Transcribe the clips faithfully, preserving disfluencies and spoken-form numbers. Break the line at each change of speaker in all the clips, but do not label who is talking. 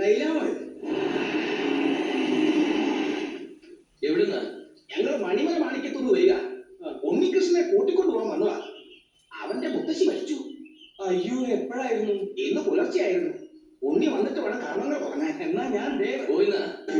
എവിടുന്ന?
ഞങ്ങൾ മണിമല മാണിക്കത്തുനിന്ന് വരിക. ഉണ്ണികൃഷ്ണനെ കൂട്ടിക്കൊണ്ടു പോകാൻ വന്നതാ. അവന്റെ മുത്തശ്ശി മരിച്ചു.
അയ്യോ, എപ്പോഴായിരുന്നു?
ഇന്ന് പുലർച്ചെയായിരുന്നു. ഉണ്ണി വന്നിട്ട് വേണം കർമ്മങ്ങൾ തുടങ്ങാൻ. എന്നാ ഞാൻ
പോയിന്ന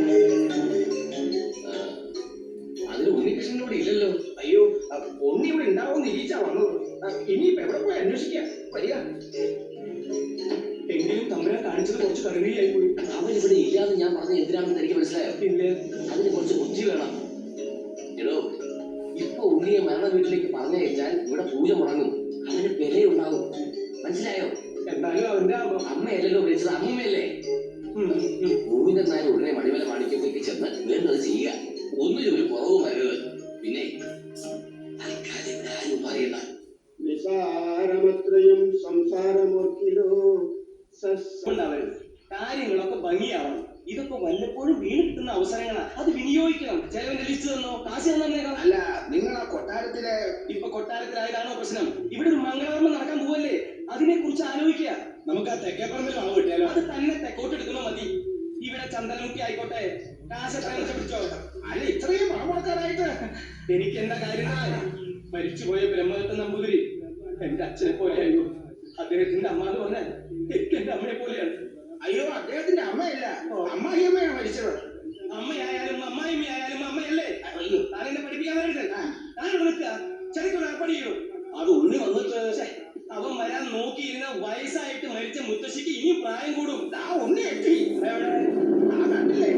അതിന് ഉണ്ണികൃഷ്ണനോട് ഇല്ലല്ലോ.
അയ്യോ, ഉണ്ണി ഇവിടെ ഉണ്ടാവും നിരീച്ചാ വന്നത്. ഇനിയിപ്പോ എവിടെ പോയി അന്വേഷിക്കാം. വരിക.
എങ്കിലും തമ്മിലെ കാണിച്ചത് കുറച്ച് കരുണയായി പോയി. അവൻ ഇവിടെ ഇല്ലാതെ ഞാൻ പറഞ്ഞ എന്തിനാണെന്ന് എനിക്ക് മനസ്സിലായോ? ഇല്ല. അതിന് കുറച്ച് ബുദ്ധി വേണം. എടോ, ഇപ്പൊ ഉണ്ണിയെ മരണ വീട്ടിലേക്ക് പറഞ്ഞയച്ചാൽ ഇവിടെ പൂജ മുടങ്ങും. അവന് വിലയുണ്ടാകും. മനസ്സിലായോ?
എന്തായാലും അവന്റെ
അമ്മയല്ലല്ലോ വിളിച്ചത്, അമ്മയല്ലേ? പൂവിനെന്നാലും ഉടനെ മണിമല മാണിക്കത്തേക്ക് ചെന്ന് വേണ്ടത് ചെയ്യുക. ഒന്നിനും ഒരു കുറവും വരരുത്. പിന്നെ തൽക്കാലം ഇവിടെ ആരും പറയണ്ട.
നിസാരമത്രയും സംസാരമോർക്കിലോ
കാര്യങ്ങളൊക്കെ ഭംഗിയാവണം. ഇതൊക്കെ വല്ലപ്പോഴും വീണ് കിട്ടുന്ന അവസരങ്ങളാ. അത് വിനിയോഗിക്കണം. ചെലവിന്റെ ലിസ്റ്റ് തന്നോ, കാശ് തന്നേക്കാം.
അല്ല, നിങ്ങൾ ആ കൊട്ടാരത്തിലെ
ഇപ്പൊ കൊട്ടാരത്തിലായതാണോ പ്രശ്നം? ഇവിടെ ഒരു മംഗളകർമ്മം നടക്കാൻ പോവല്ലേ, അതിനെ കുറിച്ച് ആലോചിക്കുക.
നമുക്ക് ആ തെക്കേപ്പറമ്പിൽ വളവ് കിട്ടിയാലോ?
അത് തന്നെ തെക്കോട്ട് എടുക്കുമ്പോ മതി. ഇവിടെ ചന്ദനമുക്കി ആയിക്കോട്ടെ, കാശ് എത്ര പിടിച്ചോ.
അല്ല, ഇത്രയും പണം കൊടുക്കാനായിട്ട്
എനിക്ക് എന്താ കാര്യം? മരിച്ചുപോയ ബ്രഹ്മദത്ത നമ്പൂതിരി എന്റെ അച്ഛനെ പോലെയായിരുന്നു. അദ്ദേഹത്തിന്റെ അമ്മ എന്ന് പറഞ്ഞാൽ എനിക്ക് എന്റെ അമ്മയെ പോലെയാണ്.
അയ്യോ, അദ്ദേഹത്തിന്റെ അമ്മയല്ല, അമ്മായിയമ്മയാണ് മരിച്ചത്.
അമ്മയായാലും അമ്മായിമ്മയായാലും അമ്മയല്ലേ? അയ്യോ, താൻ എന്നെ പഠിപ്പിക്കാൻ വരരുത്. താനോട് നിൽക്കുക, ചെറിയ പഠിക്കൂ.
അത് ഉണ്ണി വന്നിട്ട്
അവൻ വരാൻ നോക്കിയിരുന്ന വയസ്സായിട്ട് മരിച്ച മുത്തശ്ശിക്ക് ഇനിയും പ്രായം കൂടും.
ആ ഉണ്ണി എത്തി. ആ കണ്ടില്ലേ?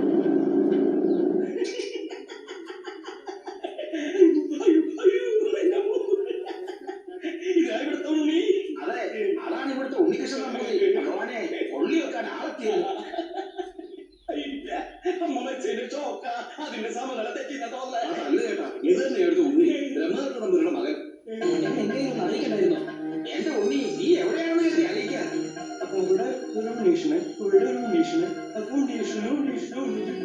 ഇതാ ഇവിടുത്തെ ഉണ്ണി.
അതെ, അതാണ് ഇവിടുത്തെ ഉണ്ണികൃഷ്ണൻ നമ്പൂതിരി. ഭഗവാനെ, കൊള്ളി വെക്കാൻ ആളെത്തിയത്.
അമ്മ വെച്ചതിന്റെ ചോക്ക അതിന്റെ സമനില തെറ്റിന്ന തോന്നല.
അല്ല ചേട്ടാ, ഇത് തന്നെയായിരുന്നു ഉണ്ണി, ബ്രഹ്മദത്ത നമ്പൂതിരിയുടെ മകൻ.
ഞാൻ എന്തെങ്കിലും അറിയിക്കണ്ടായിരുന്നോ?
എന്റെ ഉണ്ണി, നീ എവിടെയാണെന്ന് കരുതി അറിയിക്കാൻ.
അപ്പൊ ഇവിടെ ഒരു ഉണ്ണീഷന്, ഇവിടെ ഒരു ഉണ്ണീഷന്, അപ്പൊ ഉണ്ണീഷന് ഉണ്ണീഷന് ഉണ്ണീഷന്